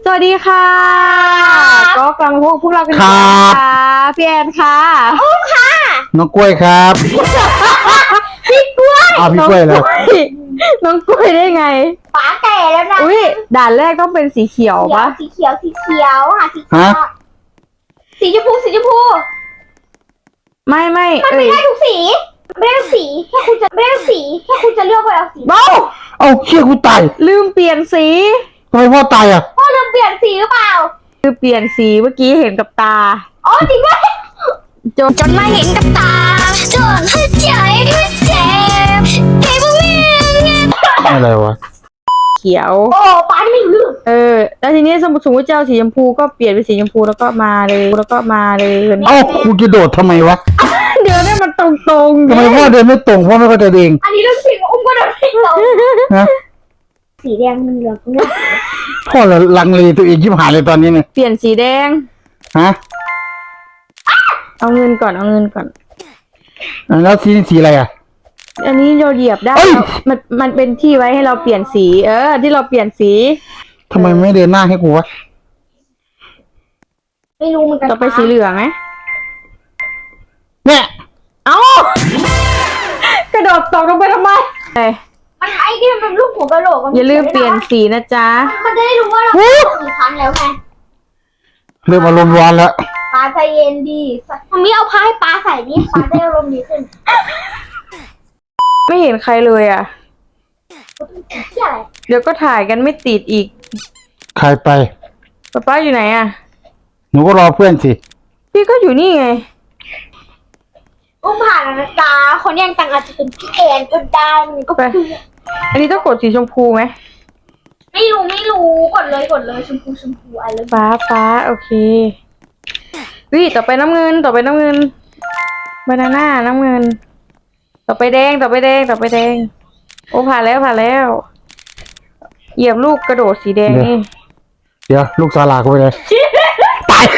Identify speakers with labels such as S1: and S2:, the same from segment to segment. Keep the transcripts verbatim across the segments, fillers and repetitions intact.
S1: สวัสดีค่ะก็กลับมาพบพวกเรากันอีกแล้วค่ะพี่แอนค่ะอุ้มค่ะ
S2: น้องกล้วยครับ
S1: พี่กล้วย
S2: อ้าวพี่กล้วยเลย
S1: น้องกล้วยได้ไง
S3: ป๋าแก่แล้วนะ
S1: อุ้ยด่านแรกต้องเป็นสีเขียวปะ
S3: สีเขียวสีเขียวหาสีเขียวสีชมพูสีชมพู
S1: ไม่ไม่
S3: มันไม่ได้ทุกสีไม่ได้ทุกสีแค่คุณจะไม่ได้ทุกสีแค่คุณจะเลือกว่าเอาสี
S1: เบ้า
S2: เอาเชี่ยกูตาย
S1: ลืมเปลี่ยนสี
S2: ทำไมพ่อตายอ่ะ
S3: พ่อลืมเปลี่ยนสีหรือเปล่า
S1: คือเปลี่ยนสีเมื่อกี้เห็นกับตา
S3: อ๋อจริงด้วย
S1: จน
S3: จนมาเห็นกับตาจนหัวใจก็เจ็บเก็บไม่
S2: อะไรวะ
S1: เขียว
S3: โอ้ป๋าไม่รู้
S1: เออแล้วทีนี้สมมติสมมติเจ้าสีชมพูก็เปลี่ยนเป็นสีชมพูแล้วก็มาเลยแล้วก็มาเลย
S2: เอ้ากูจะโดดทำไมวะ
S1: เดี๋ยวเนี่ยมันตรงๆ
S2: ทำไมพ่อเดินไม่ตรงพ่อไม่เข้าใจเอง
S3: อันนี้เรื่องจริงอุ้มก็เดินไม่ตรง
S2: นะ
S3: สีแดงเหลืองเนี่ย
S2: พ่อเราลังเลตัวเองชิบหายเลยตอนนี้เนี่ย
S1: เปลี่ยนสีแดง
S2: ฮะ
S1: เอาเงินก่อนเอาเงินก่อน
S2: แล้วสีสีอะไรอ่ะ
S1: อันนี้เราเหยียบได้มันมันเป็นที่ไว้ให้เราเปลี่ยนสีเออที่เราเปลี่ยนสี
S2: ทำไมไม่เดินหน้าให้กูวะ
S3: ไม่รู้เหมือนกัน
S1: ต่อไปสีเหลืองไหม
S2: เนี่ย
S1: เอ้ากระโดดตกลงไปทำไม
S3: มันไอ้ที่มันเป็นรูปหัวกะโหลก
S1: อย่าลืมเปลี่ยนสีนะจ๊ะ
S3: มันจะได้รู้ว่าเรากี่ครั้งแล้วไง
S2: เริ่มอารมณ์ร้อนแล้ว
S3: ปลาใจเย็นดีมันไม่เอาผ้าให้ปลาใส่นี่ปลาจะอารมณ์ดีขึ้น
S1: ไม่เห็นใครเลยอ่ะเดี๋ยวก็ถ่ายกันไม่ติดอีก
S2: ใครไป
S1: ป๊าป้าอยู่ไหนอ่ะ
S2: หนูก็รอเพื่อนสิ
S1: พี่ก็อยู่นี่ไง
S3: อุ้มผ่านนะจ๊ะคนยังตังอาจจะเป็นพี่แอนก็ได้มันก็คือ
S1: อันนี้ต้องกดสีชมพูไหม
S3: ไม่รู้ไม่รู้กดเลยกดเลยชมพูชมพูอะไร
S1: ฟ้าฟ้าโอเควิต่อไปน้ำเงินต่อไปน้ำเงินบานาน่าน้ำเงินต่อไปแดงต่อไปแดงต่อไปแดงโอ้ผ่านแล้วผ่านแล้วเหยียบลูกกระโดดสีแดงนี่
S2: เดี๋ยวลูกสาลากูไปเลยตาย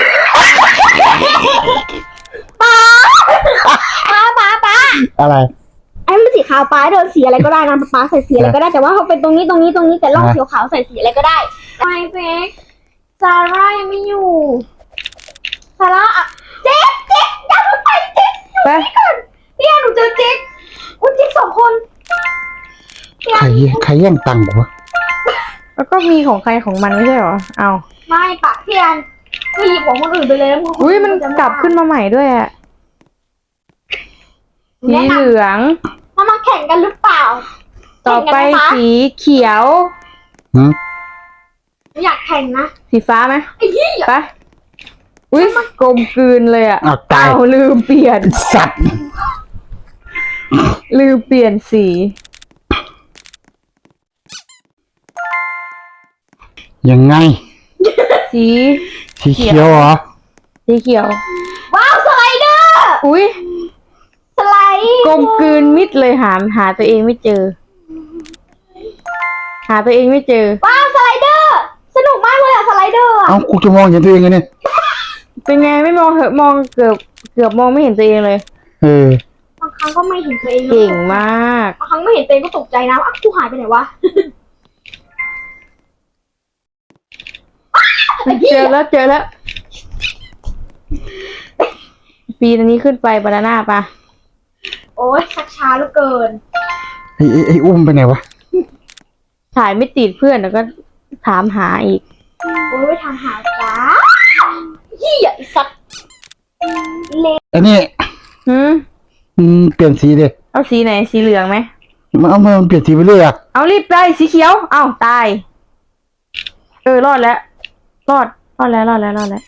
S3: ป้าป้าป้าป้า
S2: อะไร
S3: ไอ้มันสีขาวป้าโดนสีอะไรก็ได้นะป้าใส่สีอะไรก็ได้แต่ว่าเขาเป็นตรงนี้ตรงนี้ตรงนี้แต่ล่องสีขาวใส่สีอะไรก็ได้ไม่เจ๊กซาร่ายังไม่อยู่ซาร่าอ่ะเจ๊กเจ๊กยังไม่ไปเจ๊กไปก่อนพี่หนูเจอเจ๊กอุ้ยเจ๊กสองคน
S2: ใครใครแย่งตังค์กูวะ
S1: แล้วก็มีของใครของมันไม่ใช่เหรอเอา
S3: ไม่ปะพี่แอนไปหยิบของคนอื่นไปเลย
S1: อุ้ยมันกลับขึ้นมาใหม่ด้วยอะสีเหลือง
S3: มามาแข่งกันหรือเปล่า
S1: ต่อไปสีเขียว
S3: อยากแข่งนะ
S1: สีฟ้าไหมไปอุ้ยกลมกลืนเลยอ่ะ
S2: อ้าว
S1: ลืมเปลี่ยน
S2: สัตว์
S1: ลืมเปลี่ยนสี
S2: ยังไง
S1: สี
S2: สีเขียวเหรอ
S1: สีเขียว
S3: ว้าวสไลเดอร์
S1: อุ้ย
S3: สไลด์
S1: กลมกลืนมิดเลยหาหาตัวเองไม่เจอหาตัวเองไม่เจอ
S3: ว้าวสไลเดอร์สนุกมากเลยอะสไลเดอร์
S2: เอ้ากูจะมองเห็นตัวเองไงเนี่ย
S1: เป็นไงไม่มองเหอะมองเกือบเกือบมองไม่เห็นตัวเองเลย
S2: เอ
S3: อบางครั้งก็ไม่เห็นตัวเอง
S1: เก่งมาก
S3: บางครั้งไม่เห็นตัวเองก็ตกใจนะว่ากูหายไปไหนวะ
S1: เจอแล้วเจอแล้วปีนี้ขึ้นไปบานาน่าปะ
S3: โอ้ยชักช้าเหลือเกิน
S2: ไอ้ไอ้อุ้มไปไหนวะ
S1: ถ่ายไม่ติดเพื่อนแล้วก็ถามหาอีก
S3: โอ้ยถามหาจ้าเหี้ยสัตว์
S2: เละอันนี้
S1: หืม
S2: อืมเปลี่ยนสีดิ
S1: เอาสีไหนสีเหลืองไหม
S2: มันเอามันเปลี่ยนสีไปเรื่อยอ่ะ
S1: เอารีบไปสีเขียวเอ้าตายเออรอดแล้วรอดรอดแล้วรอดแล้วรอดแล้ว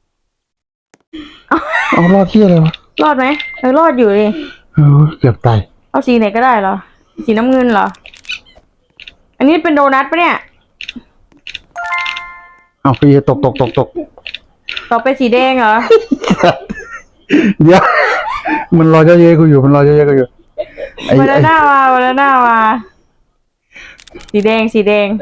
S2: เอารอดที่อะไรวะ
S1: รอดไหมเออรอดอยู่ดิ
S2: เออเกือบตาย
S1: เอาสีไหนก็ได้เหรอสีน้ำเงินเหรออันนี้เป็นโดนัทปะเนี่ย
S2: เอาฟีตกตกตกตก
S1: ต่อไปสีแดงเหรอ
S2: เดี๋ยวมันรอเยอะๆกูอยู่มันรอเยอะๆกูอยู่
S1: วันละหน้ามาวันละหน้ามาสีแดงสีแดง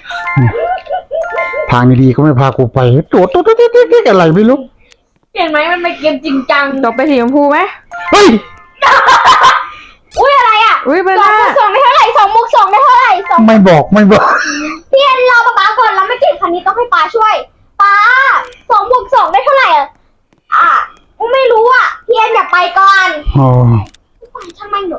S2: ทางดีๆเขาไม่พากูไปโดดโดดโดดโดดอะไรไม่รู้
S3: เห็นไหมมันเป็นเกมจริงจัง
S1: ต่อไปสีชมพูไหม
S2: เฮ้ย
S3: อุ้ยอะไรอ่ะ
S1: อุ้ยเป็น
S3: สองมุกสองได้เท่าไหร่สองมุกสองได้เท่าไหร่สอง
S2: ไม่บอกไม่บอก
S3: พี่เอ็นรอป๊าป๊าก่อนแล้วไม่เก่งคันนี้ต้องให้ป้าช่วยป้าสองบวกสองได้เท่าไหร่อ่ะอ่ะไม่รู้อ่ะพี่เอ็นอย่าไปก่อน
S2: อ๋อ
S3: ไปทำไมหนู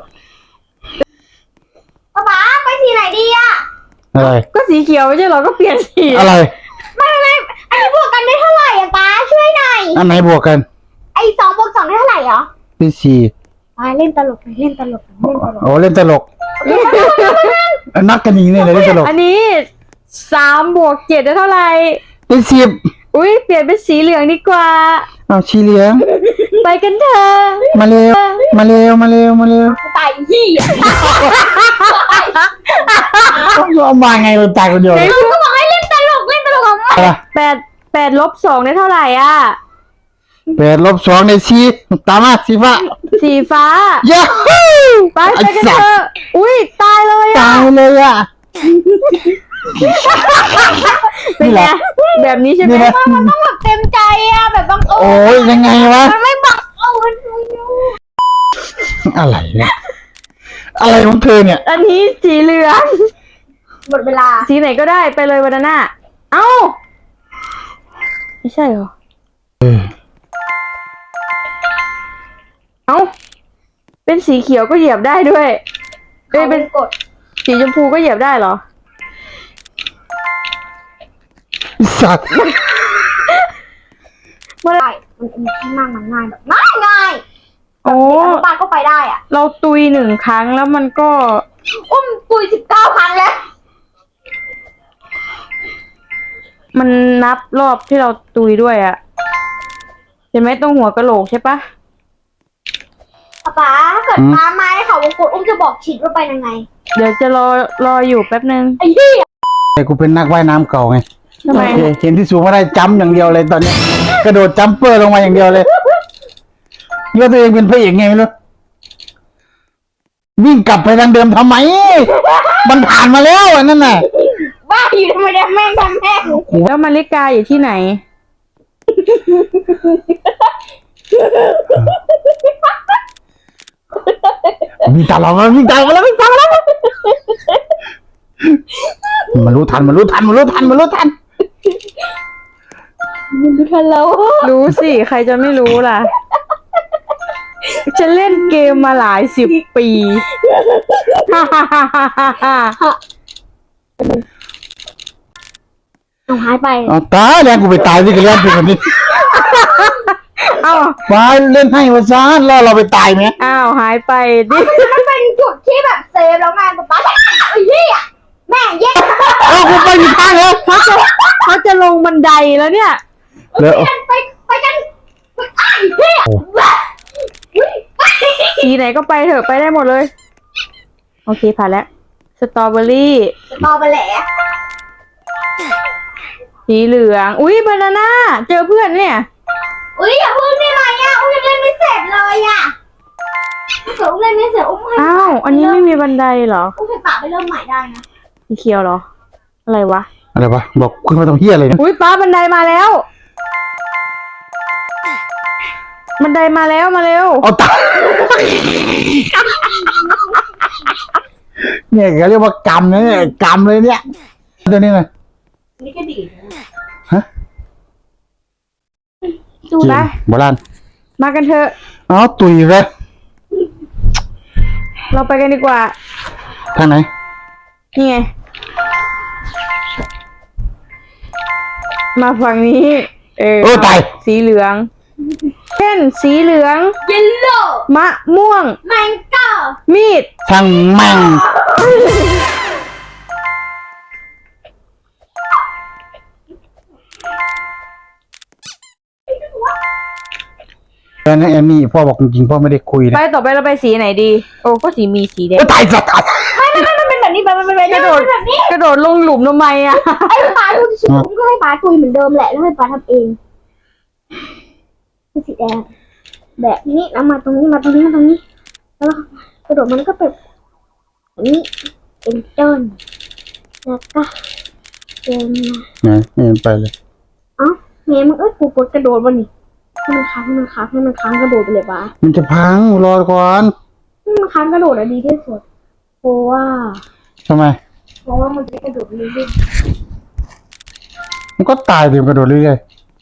S3: ป้าป้าไปสีไหนดีอ่ะ
S2: อะไร
S1: ก็สีเขียวไม่ใช่เหรอก็เปลี่ยนสี
S2: อะไร
S3: ไม่ไม่ไม่อันนี้บวกกันได้เท่าไหร่อ่ะป้าช่วยหน่อย
S2: อันไหนบวกกัน
S3: ไอ้สองบวกสองได้เท่าไหร่เหรอ
S2: เป็นสี่
S3: ป้าเล่นตลกเล่นตลกเล่นตลก
S2: โอ้เล่นตลกนักกันยิงเนี่ยเลยเล่นตลก
S1: อันนี้สามบวกเจ็ดได้เท่าไหร่
S2: เป็นสิบ
S1: อุ้ยเปลี่ยนเป็นสีเหลืองดีกว่า
S2: เอาชีเหลียง
S1: ไปกันเถอะ
S2: มาเร็วมาเร็วมาเร็วมาเร็ว
S3: ตายยี่อ่ะ
S2: ต้องเอามาไงมันตายคนเดียวเลย
S3: ก็บอกให้เล่นตลกเล่นตลกของมัน
S2: อะไร
S1: แปดแปดลบสองได้เท่าไหร่อ่ะ
S2: แปดลบสองในสี่ตามมาสีฟ้า
S1: สีฟ้า
S2: ยาฮู
S1: ไปไปกันเถอะอุ้ยตายเลยอ่ะ
S2: ตายเลยอ่ะ
S1: เป็นไงแบบนี้ใช่ไหม
S2: นี่นะ
S3: มันต้องแบบเต็มใจอ่ะแบบบังเอิ
S2: โอ้
S3: ญ
S2: ยยังไงวะ
S3: มันไม่บังเอิญ
S2: อะไรเนี่ยอะไรของเธอเนี่ย
S1: อันนี้สีเหลือง
S3: หมดเวลา
S1: สีไหนก็ได้ไปเลยวันนั้นน่ะเอ้าไม่ใช่เหรอ
S2: เออ
S1: เอ้าเป็นสีเขียวก็เหยียบได้ด้วยเอ้ยเป็น
S3: กด
S1: สีชมพูก็เหยียบได้เหรอ
S2: สัตว์
S1: เมื่อไหร
S3: ได้มันเป็นที่นั่งมันง่ายแบบง่ายง่าย
S1: โอ้
S3: อนุบาลก็ไปได้อ่ะ
S1: เราตุยหนึ่งครั้งแล้วมันก็
S3: อุ้มตุยสิบเก้าครั้งแล้ว
S1: มันนับรอบที่เราตุยด้วยอะเห็นไหมตรงหัวกะโหลกใช่ปะ
S3: ป๊าถ้าเกิดป้าไม้เขาวงกดอุ้มจะบอกชิดว่าไปยังไง
S1: เดี๋ยวจะรอรออยู่แป๊บนึง
S3: ไอ้เหี้ย
S2: แต่กูเป็นนักว่ายน้ำเก่าไง
S1: ทำไม
S2: โอเคเห็นที่สูงไม่ได้จัมป์อย่างเดียวเลยตอนนี้ กระโดดจัมเปอร์ลงมาอย่างเดียวเลยเลือกตัวเองเป็นพระเอกไงไม่รู้วิ่งกลับไปทางเดิมทำไม มันผ่านมาแล้วอันนั้นน่ะ
S3: บ้าอยู่ทำไมเนี่ยแม่งทำแม่ง
S1: แล้วมาริกาอยู่ที่ไหน
S2: วิ่งตามเราแล้ววิ่งตามมาแล้ววิ่งตามมาแล้วมันรู้ทันมันรู้ทันมันรู้ทันมันรู้ทัน
S3: มึงดูทันแล้ว
S1: รู้สิ ใครจะไม่รู้ล่ะ จะเล่นเกมมาหลายสิบปี ฮ่าฮ่าฮ่าฮ่าฮ่า
S3: เอาหายไป
S2: เอาตายแล้วกูไปตายที่กระเล่นเป็นแบบนี้
S1: เอ้า
S2: ไปเล่นให้วะซ่านล่อเราไปตายไหม
S1: อ้าวหายไปดิ
S3: มันเป็นจุดที่แบบเซฟแล้วไงป๊าป๊าไอ้เหี้ยแม่งแย่ง
S2: เอากูไปอยู่ข้างแล้ว
S1: เขาจะเขาจะลงบันไดแล้วเนี่ย
S2: เดี๋ยว
S3: กันไปไปกันไอ้เหี้ย
S1: สีไหนก็ไปเถอะไปได้หมดเลย โอเคผ่านแล้ว สตรอเบอรี่
S3: ต่อไปแหละ
S1: สีเหลือง อุ้ยบานาน่า เจอเพื่อนเนี่ย
S3: อุ้ยอย่าพึ่งได้ไหมอ่ะอุ้ยยังเล่นไม่เสร็จเลยอ่ะถ้าเกิดอุ้มเล่นไม่เสร็จอุ้มให้
S1: อ้าว อันนี้ไม่มีบันไดเหรอ
S3: อุ้มให้ป๊าไปเริ่มใหม่ได้นะ
S1: สีเขียวเหรอ อะไรวะ
S2: อะไรวะบอกคุณมาทำเฮียอะไรนะ
S1: อุ้ยป้าบันไดมาแล้ว บันไดมาแล้วมาเร็ว
S2: เอาตายเนี่ยเขาเรียกว่ากรรมนะเนี่ยกรรมเลยเนี่ยตัวนี้ไง
S3: นี่ก็ดีนะ
S2: ฮะ
S1: ดูนะ
S2: โบราณ
S1: มากันเถอะ
S2: อ๋อตุยเลย
S1: เราไปกันดีกว่า
S2: ทางไหน
S1: นี่ไง มาฝั่งนี้ เออ
S2: โอ้ตาย
S1: สีเหลือง เช่น สีเหลือง
S3: เยลโล่
S1: มะม่วง
S3: แมงโก้
S1: มีด
S2: ทางแม่งแล้วนะแอมมี่พ่อบอกจริงๆพ่อไม่ได้คุย
S1: ไป
S2: นะ
S1: ต่อไปเราไปสีไหนดี โอ้ก็สีมีสีแดง
S2: โอ้ตายสัตว์ตาย
S3: ไม่ไม่ไม่มันเป็นแบบนี้แบบมันเป็นแบบนี้มันเป็นแบบนี้
S1: กระโดดลงหลุมทำไมอ่ะ
S3: ไอ้ป๊าดูสิอุ้มก็ให้ป๊าคุยเหมือนเดิมแหละแล้วให้ป๊าทำเองคือสีแดงแบบนี้แล้วมาตรงนี้มาตรงนี้มาตรงนี้ แล้วกระโดดมันก็เป็นแบบนี้เป็นต้นแล้วก็เป็น
S2: นะไม่เห็นไปเลย
S3: เอ้าเมย์มึงเอ้ยกูกดกระโดดวันนี้ให้มันค้างให้มันค้างให้มันค้างกระโดดไปเลยป๊า
S2: มันจะพังรอก่อน
S3: ให้มันค้างกระโดดอะดีที่สุดเพราะว่า
S2: ทำไม
S3: เพราะว่ามันจะกระโดดเรื่อย
S2: มันก็ตายเดี๋ยวกระโดดเรื่อย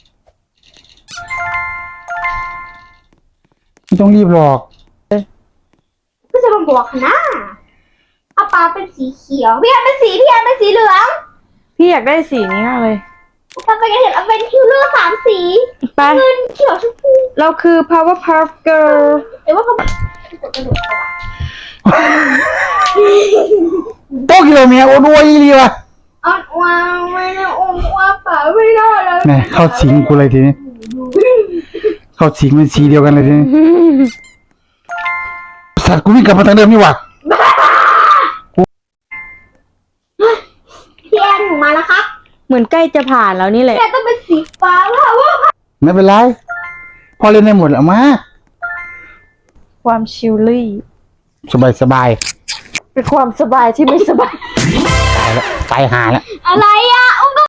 S2: ๆไม่ต้องรีบหรอก
S3: ก็จะมาบอกนะอาปาเป็นสีเขียวพี่แอนเป็นสีพี่แอนเป็นสีเหลือง
S1: พี่อยากได้สีนี้มากเลย
S3: ถ้าเป็นกันเห็นเอาเป็นคิวเลอร์สามสี
S1: ไป
S3: เงินเขียวชมพู
S1: เราคือ Powerpuff Girl
S3: เดี๋ยวว่าเขากดกระโดดเข้าไป
S2: โต๊ะกิโลเมียโอ้ด้วยดีว่ะ
S3: ออนวางไม่ได้อมว่าป่าไม่ได้แล้ว
S2: เนี่ยเข้าสิงกูเลยทีนี้เข้าสิงเป็นสีเดียวกันเลยทีนี้สัตว์กูวิ่งกลับมาทางเดิมนี่หว่า
S3: พี่แอนหนูมาแล้วครับ
S1: เหมือนใกล้จะผ่านแล้วนี่แหละ
S3: พี่แอนต้องเป็นสีฟ้าว่าว่า
S2: ไม่เป็นไรพอเล่นได้หมดแล้วมา
S1: ความชิลลี่
S2: สบายสบาย
S1: เป็นความสบายที่ไม่สบาย
S2: ตายแล้วตายหาแล้ว
S3: อะไรอ่ะ